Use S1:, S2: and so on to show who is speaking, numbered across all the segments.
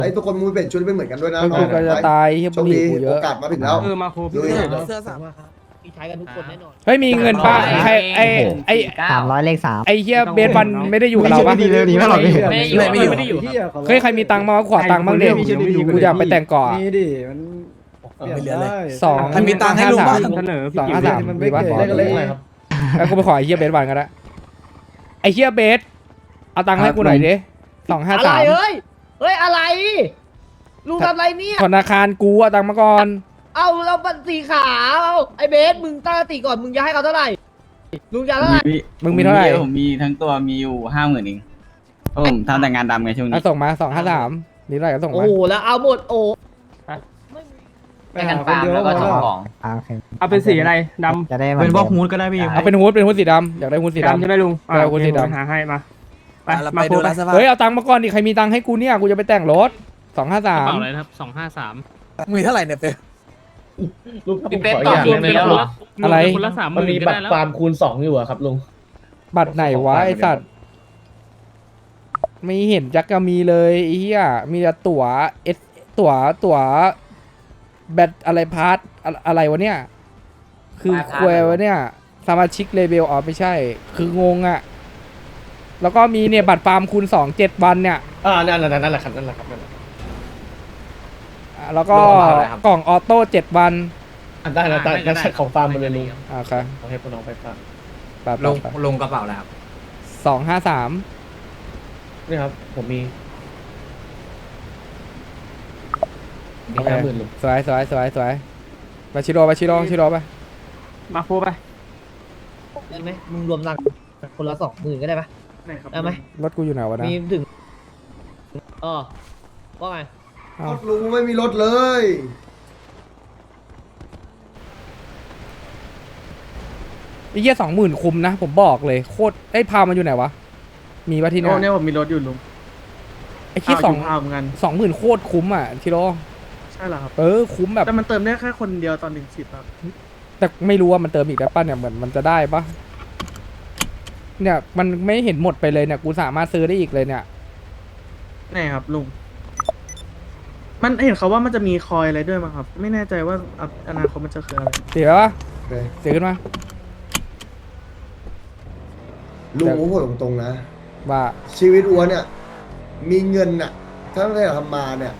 S1: ไอ้ทุกคนมูเปลี่ยนชุดไม่เหมือนกันด้วยนะ
S2: กูก็จะตายเฮีย
S1: โช
S2: บุ
S1: ค
S2: หรี่
S1: ดี
S2: กูเย
S1: โอ
S2: อะ
S1: กาสมาถึงแล้ว
S3: มาโค
S1: ลุย
S4: เสื้อ3ครับที่ใช้กันทุกคนแน่นอน
S2: เฮ้ยมีเงินป้าใครไอ้
S5: 300 เลข 3
S2: ไอ้เฮียเบสวันไม่ได้อยู่กับเราปะ
S5: ดีเลยดีมากหรอกพี่
S3: ไม่ได้อยู่
S2: เฮ้ยใครมีตังค์มาขวาตังค์บ้างเด็กกูอยากไปแต่งก่อน
S6: นี่ดิมันเปลี่ยนได้
S2: สอง
S7: ใครมีตังค์ให้ลุงบ้าง
S3: เสนอ
S2: สองห้าสาม
S6: มัน
S2: มี
S6: ไม่
S2: ปะ
S6: เกิดได้กันเลยอะไรครับ
S2: แล้วกูไปขอไอ้เฮียเบสวันกันละไอ้เฮียเบสเอาตังค์ให้กูหน่อยดิ253
S4: อะไรเฮ้ยอะไรลุงทำอะไรเนี่ย
S2: ธนาคารกูเอาตังค์มาก่อน
S4: เอาเราบัตรสีขาวไอ้เบสมึงตั้งสติก่อนมึงจะให้เขาเท่าไหร่ลุงจะเท่าไหร่
S2: มึงมีเท่าไหร่
S8: ผมมีทั้งตัวมีอยู่50,000เองเพราะผมทำแต่งานดำไงช่วง
S2: เอา
S8: นี้
S2: ส่งมา253มีเท่าไหร่ก็ส่ง
S4: โอ้
S2: มา
S4: โหแล้วเอาหมดโอ้
S6: ไปหาคนเดียวก็พอแล้ว
S5: โอเค
S3: เอาเป็นสีอะไรด
S5: จะได้
S7: เป็นพวกฮูดก็ได้พี่
S2: เอาเป็นฮูดสีดำอยากได้ฮูด
S3: ำ
S2: สี
S3: สีดำ
S2: ดำ
S3: ใช่ไหมลุง
S2: ได้คนสีดำ
S3: หาให้มาไป
S7: เรา
S3: มา
S7: ไป
S3: โค
S7: ดู
S3: ไป
S7: ร้านเสื้อผ้า
S2: เฮ้ยเอาตังค์มาก่อนดิใครมีตังค์ให้กูเนี่ยกูจะไปแต่งรถ
S3: กระเป๋าอะไร
S2: 253
S3: นะครับ253
S7: มีเท่าไหร่เนี่ยเป๊ะ
S6: ลุงครับผม
S3: เป็น
S6: ขอ
S3: ต่อ
S6: อย่าง
S3: เดือน
S6: หนึง
S3: เป็น
S6: นะ
S3: คนละ
S2: อะไร
S3: คนละ30,000
S6: มันมี
S3: ก็
S6: บัต
S3: ได้
S6: ร
S3: แล้ว
S6: ฟาร์มคูณ2อยู่อะครับลุง
S2: บัตรไหนวะไอสัตว์ไม่เห็นจักก็มีเลยไอ้เหี้ยมีแต่ตั๋วเอสตั๋วแบตอะไรพาร์ทอะไรวะเนี่ยคือควยวะเนี่ยสมาชิกเลเวลอ๋อไม่ใช่ คืองงอะแล้วก็มีเนี่ยบัตรฟาร์มคูณ2 7 วันเนี่ย
S6: นั่นแหละนั่นแหละครับนั่นแหละครับนั่นแหละ
S2: แล้วก็
S6: รวมอะไรครับ
S2: กล่องออโต้7 วัน
S6: ได้นะแต่ของฟาร์มหมดเลยลุง
S2: โอเค
S6: เอาให้พวกน้องไปฟาร์ม
S2: แบบ
S7: ลงกระเป๋าแล้วครับ
S2: 253
S6: นี่ครับผมมี
S2: โอเค
S6: 50,000ลุง
S2: สวยไปชิโร่ไป
S3: มาโคไป
S4: ได้ไหมมึงรวมตังค์คนละ20,000ก็ได้ปะได้ไหม
S2: รถกูอยู่ไหนวะนะ
S4: มีถึงว่าไง
S2: อ้าร ว
S1: ถลุงไม่มีรถเลย
S2: ไอ้เหี้ย20,000คุมนะผมบอกเลยโคตรไอ้พามันอยู่ไหนวะมีปะที่เนี่ย
S6: เนี่ยผมมีรถอยู่ลุง
S2: ไอ้คิด
S6: พาวเหมือนกัน
S2: 20,000โคตรคุ้มอ่ะชิโร่
S6: ใช่เหรอครับ
S2: คุ้มแบบ
S6: แต่มันเติมได้แค่คนเดียวตอน10ครับ
S2: แต่ไม่รู้ว่ามันเติมอีกได้ป่ะเนี่ยเหมือนมันจะได้ปะเนี่ยมันไม่เห็นหมดไปเลยเนี่ยกูสามารถซื้อได้อีกเลยเนี่ย
S6: ไหนครับลุงมันเห็นเขาว่ามันจะมีคอยอะไรด้วยมั้งครับ ไม่แน่ใจว่าอนาคตมันจะคืออะไร
S2: เสียปะเสียขึ้นมา
S1: ลุงผมพูดตรงๆนะ
S2: ว่า
S1: ชีวิตอัวเนี่ย มีเงินน่ะทั้งที่เราทำมาเนี่ย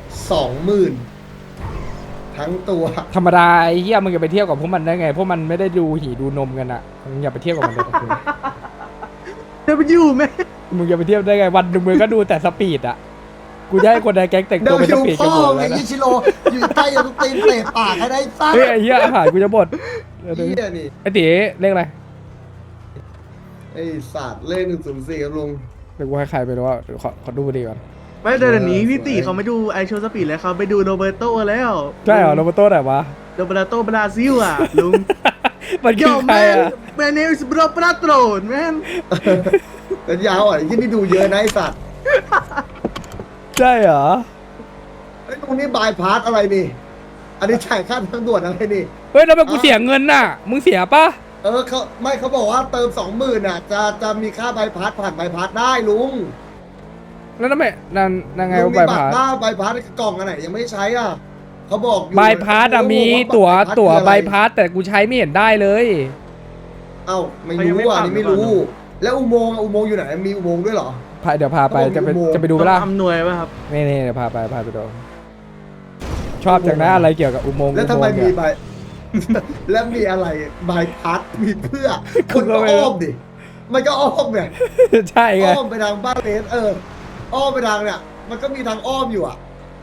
S1: 20,000ทั้งตัว
S2: ธรรมดาไอ้เหี้ยมึงอย่าไปเที่ยวกับพวกมันได้ไงพวกมันไม่ได้ดูหีดูนมกันอ่ะมึงอย่าไปเที่ยวกับมันเลย
S6: จะไปอยู่ไหม
S2: มึงอย่าไปเที่ยวได้ไงวันหนึ่งมึงก็ดูแต่สปีดอ่ะกูจะให้คนในแก๊งแต่ง
S1: เดี๋
S2: ตั
S1: ยว ว
S2: เป็น
S1: คิ
S2: ส
S1: ว
S2: ปีด
S1: พ่
S2: กัน
S1: อ
S2: หมด
S1: ไง
S2: แล้วนะ
S1: ยิชิโร่อยู่ใกล้จะตีนเตะปากให้ได้ซ่า
S2: เฮ้ยไอ้เหี้ยอาหารกูจะหมด
S1: เฮียนี่
S2: ไอ้ตีเลขอะไร
S1: ไอ้ศาสตร์เลข104ครับลุง
S2: เดี๋ยวกูให้ใครไปดูว่าขอดูดีก่อน
S6: ไม่เดี๋ยวนี้พี่ตีเขาไม่ดูไอโชว์สปีดแล้วเขาไปดูโรเบร์โตแล้ว
S2: ใช่เหรอโรเบโต้ไหนวะ
S6: โรเบร์โตบราซิลอ่ะลุง
S2: มันคือใครอ่ะ
S6: Man name is Bro Patron man
S1: เป็นยาวอ่ะที่นี่ดูเยอะนะไอ้สัตว์
S2: ใช่เหรอ
S1: ไอ้ตรงนี้บายพาสอะไรนี่ อันนี้จ่ายค่าทางด่วนอะไรนี่
S2: เฮ้ยแล้วแบบกูเสียเงินน่ะ มึงเสียปะ
S1: เขาบอกว่าเติม20,000อ่ะจะมีค่าบายพาสผ่านบายพาสได้ลุง
S2: แล้วทำไมนั่นไง
S1: ลุงมี
S2: ใบ
S1: บัต
S2: พาร ส
S1: หน้าบายพาสกล่องอันไหนยังไม่ได้ใช้อ่ะเขาบอกอยู่
S2: ใบพาสอะมี
S1: โอ้โห
S2: ตั๋ว
S1: บัตร
S2: ใบ
S1: คืออะไร
S2: พาสแต่กูใช้ไม่เห็นได้เลย
S1: เอ้าไม่รู้อ่ะนี่ไม่รู้ แล้วอุโมงค์อยู่ไหนมีอุโมงค์ด้วยเหรอ
S2: เดี๋ยวพาไป
S1: เขาบอกมีอุโมงค์
S2: จะไปดูไปล่ะ
S6: อำนวยป่ะครับ
S2: นี่เดี๋ยวพาไปดู ชอบจังนะอะไรเกี่ยวกับอุโมงค์
S1: แล้วทำไม
S2: อุโงค์
S1: มี
S2: เนี่ย
S1: ใบ แล้วมีอะไรบายพาสมีเพื่อ
S2: คุ
S1: คุณ ณ
S2: ก็
S1: ก็
S2: ไม่รู้
S1: อ้อมดิมันก็อ้อมเนี่ย
S2: ใช่ไง
S1: อ้อมไปทางบ้านเลสอ้อมไปทางเนี่ยมันก็มีทางอ้อมอยู่อ่ะ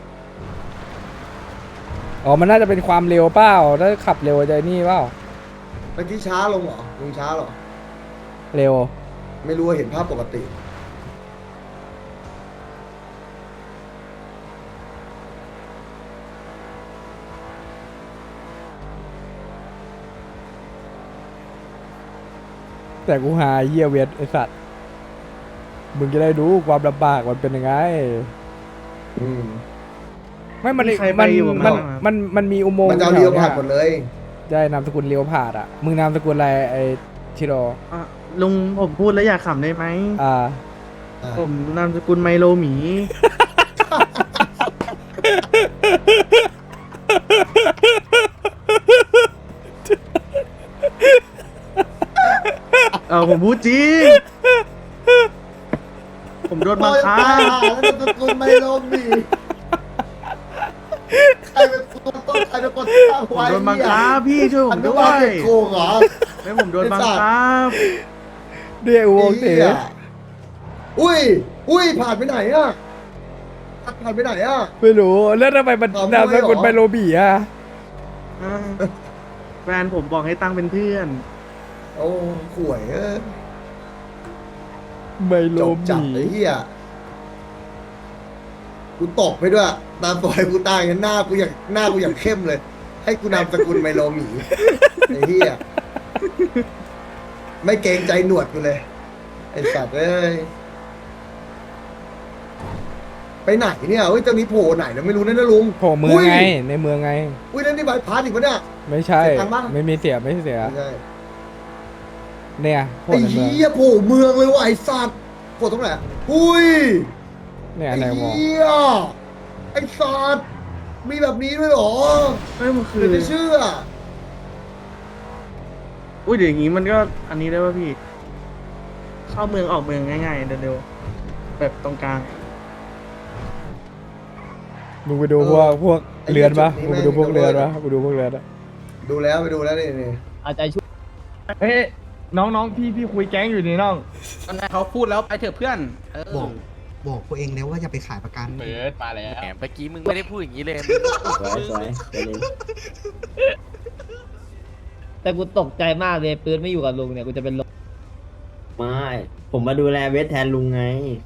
S2: อ๋อมันน่าจะเป็นความเร็วเปล่าถ้าขับเร็วจะนี่เปล่า
S1: เมื่อกี้ช้าลงเหรอลงช้าเหรอ
S2: เร็ว
S1: ไม่รู้ว่าเห็นภาพปกติ
S2: แต่กูหาเยี่ยเวทไอสัตว์มึงจะได้รู้ความลำบากมันเป็นยังไง
S1: อืม
S2: ไม่มัน
S6: มีใครไปอยู่บ้างครับ
S2: มันมีอุโมงค์
S1: มันจะเอา
S2: แถ
S1: เรียว
S2: ๆ
S1: ผ่านหมดเลย
S2: ใช่นามสกุลเลี้ยวผ่านอ่ะมึงนามสกุลอะไรไอชิโร่
S6: อ่ะลุงผมพูดแล้วอยากขำได้ไหม
S2: อ่า
S6: ผมนามสกุลไมโลหมีผมพูดจริง ผมโดนบังคับ
S1: แล้วตะกุลไมโลมีใครเป็นคนต้นใครเป็นคนสร้าง
S6: ผม
S1: ไว้
S6: โดนบังคับพี่ช่วยผม
S1: อันนี้
S6: ด้ว
S1: ว่าย เป็นโกงเหรอ
S6: ไม่ผมโดนบังคับ
S2: เดี๋ยววงเต๋
S1: หี้ยอุ้ยผ่านไปไหนอ่ะผ่านไปไหนอ่ะ
S2: ไม่รู้แล้วทำไมมัน
S1: เอา
S2: นามสกุล
S1: ด้วยเหรอ
S2: ไมโลบีอ่ะ
S6: แฟนผมบอกให้ตั้งเป็นเพื่อน
S1: โอ้ข่วย
S2: ไมโล
S1: จบจัด
S2: บี
S1: ไอ้เหี้ยกูตกไปด้วยตามปล่อยกูตายกันหน้ากูอย่างเข้มเลย ให้กูนามสกุลไมโลหมีไอ้เหี้ยไม่เกรงใจหนวดกูเลยไอ้สัตว์เอ้ยไปไหนเนี่ยเฮ้ยเจ้านี้โผล่ไหนเราไม่รู้นะลุง
S2: โผล่เมืองไงในเมืองไง
S1: อุ้ยนั่นนี่บายพาสอีกปะเนี่ย
S2: ไม่ใช่
S1: เสียตังค์ปะ
S2: ไม่มีเสียไม่เสีย
S1: ไม่ใช่
S2: เนี่ยโผล่
S1: ไอ้
S2: ในเมือง
S1: เหี้ยโผล่เมืองเลยว่ะไอ้สัตว์โผล่ตรงไหนอุ้ย
S2: เนี่ย
S1: ไอ้
S2: ในวง
S1: เหี้ยไอ้สัตว์มีแบบนี้ด้วยเหรอ
S6: ไม่มันคื
S1: เดี๋
S6: อ
S1: ยวจะเชื่อ
S6: อุ้ยเดี๋ยวอย่างงี้มันก็อันนี้ได้ป่ะพี่ เข้าเมืองออกเมืองง่ายๆเร็วๆแบบตรงกลาง
S2: มึงไปดูพวกเรือนปะมึงไปดูพวกเรือนปะไปดูพวกเรือนอะ
S1: ดูแล้วไปดูแล้วนี่
S4: อาจจะช่วย
S3: เฮ้ยน้องพี่คุยแก๊งอยู่นี่น้อง
S7: เขาพูดแล้วไปเถอะเพื่อน
S5: บอกตัวเองแล้วว่าอย่าไปขายประกัน
S7: เบิร์ดมาแล้ว
S9: แหมเมื่อกี้มึงไม่ได้พูดอย่างนี้เลย
S4: แต่กูตกใจมากเลยปืนไม่อยู่กับลุงเนี่ยกูจะเป็นลม
S10: ไม่ ผมมาดูแลเวทแทนลุงไง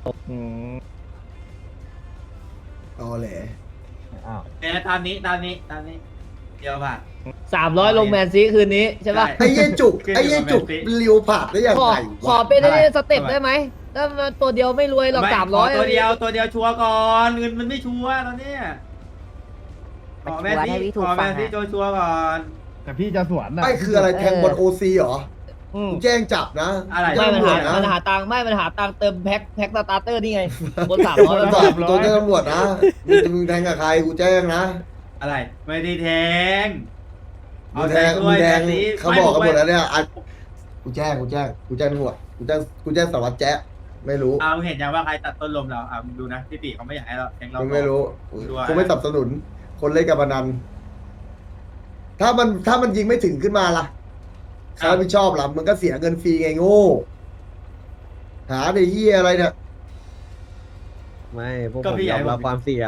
S1: ตอแหล
S8: ตามนี้เดี๋ยวป่ะ
S4: 300ลงแมนซีคืนนี้ใช่ป่ะ
S1: ไอ้เย่จุกเลียวผ่าดได้ยัง
S4: ขอ
S1: ไง
S4: ขอเป็นได้สเต็ปได้ไหมถ้ามันตัวเดียวไม่รวยหรอก300
S8: ตัวเดียวชัวร์ก่อนเงินมันไม่ชัวร์ตอนเนี้ยขอแม่ที่ชัวร์ก่อน
S3: แต่พี่จะสวนนะ
S1: ไม่คืออะไรแทงบอลโอซีเหรอ
S4: อืม
S1: กูแจ้งจับนะ
S8: อะไร
S1: แจ้
S4: ไม่
S1: ง
S4: มัน
S1: ตำรว
S4: หา
S1: จนะ
S4: มันหาตังค์ไม่มันหาตังค์เติมแพ็คสตาร์เตอร์นี่ไงบน
S1: ต
S4: 300แล้วก็
S1: ตัวแจ้งตำรวจนะมึงแทงกับใครกูแจ้งนะ
S8: อะไรไม่ได้แทง
S1: มึงแทงเขาบอกกันหมดแล้วเนี่ยกูแจ้งตำรวจกูแจ้งสารวัตรแจ๊ะไม่รู้
S8: เอาเห็นยังว่าใครตัดต้นลมเราดูนะพี่ปีเขาไม่อยากให้เราแทงเรา
S1: มึงไม่รู้กูไม่สนับสนุน คนเล่นการพนันถ้ามันยิงไม่ถึงขึ้นมาล่ะใครรับผิดชอบล่ะมึงก็เสียเงินฟรีไงโง่หาไอ้เหี้ยอะไรเนี่ย
S10: ไม่พวกผมยอมรับความเสี่ยง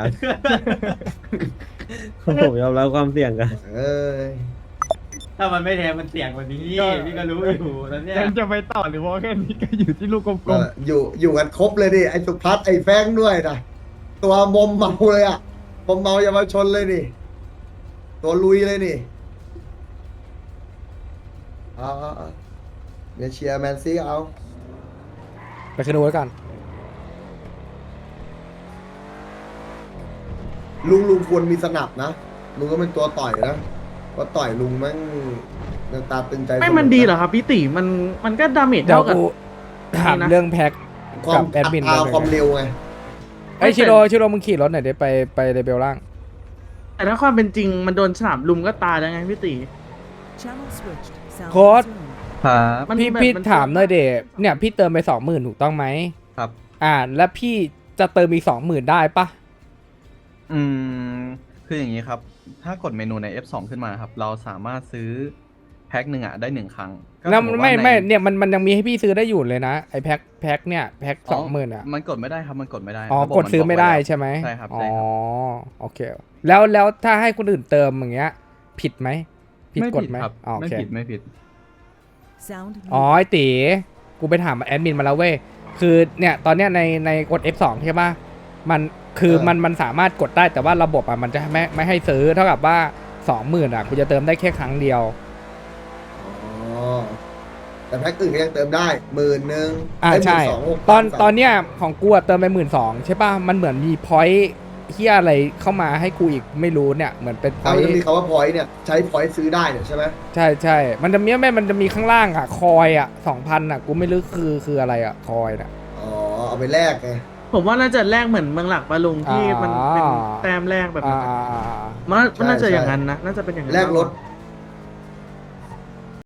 S10: ผมยอมรับความเสี่ยงกัน
S1: เอ้ย
S8: ถ้ามันไม่แทงมันเสี่ยงกว่านี้พี่ก็รู้อยู่แล้วเนี่ย
S3: ยังจะไปต่อหรือว่าแค่นี้ก็อยู่ที่ลูกกลม
S1: อยู่กันครบเลยดิไอ้สุพัฒน์ไอ้แฟงด้วยนะตัวมอมเมาเลยอ่ะมอมเมาเยาวชนเลยนี่ตัวลุยเลยนี่เดี๋ยวเชียร์แมนซีเอา
S2: ไปขึ้นดูไว้กัน
S1: ลุงควรมีสนับนะลุงก็เป็นตัวต่อยนะว่าต่อยลุงแม่งตาตึงใจ
S6: ไม่มันดีเหรอครับพี่ติมันก็ดาเมจ
S2: เดี๋ยว
S6: เท่ากับ
S2: กูถามเรื่องแพ็ค
S1: ควา
S2: กั
S1: ม
S2: บแอดมิน
S1: ความเร็วไง
S2: ไอ้ชิโร่มึงขี่รถหน่อยเดี๋ยวไปเลเบลล่าง
S6: แต่ถ้าความเป็นจริงมันโดนฉลามลุมก็ตายแล้วไงพี่ติ
S2: โค้ด
S8: ครับ
S6: มัน
S2: พี่
S6: มัน
S2: ถามหน่อยเดเนี่ยพี่เติมไป20,000ถูกต้องไหม
S8: ครับ
S2: แล้วพี่จะเติมอีก20,000ได้ปะ
S11: คืออย่างนี้ครับ ถ้ากดเมนูใน F2 ขึ้นมาครับ เราสามารถซื้อแพ็คหนึ่งได้1 ครั้งก็
S2: แล้ว
S11: สติว่า
S2: ไม่
S11: ใน
S2: เนี่ยมันยังมีให้พี่ซื้อได้อยู่เลยนะไอ้แพ็คเนี่ยแพ็ค
S11: อ๋อ
S2: 20,000อ่ะ
S11: มันกดไม่ได้ครับ มันกดไม่ได้
S2: อ๋อ
S11: ระบบ
S2: กดซื้อ
S11: มันบ
S2: ไม่ได้
S11: ว้แล้ว
S2: ใช่ไหม
S11: ใช่ครับ
S2: อ๋อ
S11: ใช่ครับ
S2: โอเคแล้วถ้าให้คนอื่นเติมอย่างเงี้ย ผิดไหมผิด
S11: ไม่
S2: กฎ
S11: ผิด
S2: ไหม
S11: ครับ
S2: อ๋อโอ
S11: ไม่
S2: เค
S11: ผิดไม่ผิด
S2: อ๋อไอ้ตีกูไปถามแอดมินมาแล้วเว้ยคือเนี่ยตอนเนี้ยในกด F2 ใช่ป่ะมันคือมันสามารถกดได้แต่ว่าระบบมันจะไม่ให้ซื้อเท่ากับว่า 20,000อ่ะกูจะเติมได้แค่ครั้งเดียว
S1: อ๋อแต่แพ็คอื่นก็ยังเติมได้10,000
S2: ใช่ ตอนเนี้ยของกูอะเติมไป12,000ใช่ป่ะมันเหมือนมีพอยต์เฮียอะไรเข้ามาให้กูอีกไม่รู้เนี่ยเหมือนเป็นพ
S1: ถ้า
S2: อย
S1: มันจะมี
S2: ต์
S1: คำว่าพอยต์เนี่ยใช้พอยต์ซื้อได้เนี่ยใช่ไหม
S2: ใช่มันจะมีข้างล่างอ่ะคอยอ่ะ 2,000อ่ะกูไม่รู้คืออะไรอ่ะคอยน่ะ
S1: อ๋อเอาไปแลกไง
S6: ผมว่าน่าจะแลกเหมือนเมืองหลักปะลุงที่มันเป็นแต้มแรกแบบนั้น
S2: อ่า
S6: มันน่าจะอย่างนั้นนะน่าจะเป็นอย่างนั้น
S1: แลกรถ
S6: มากกว่า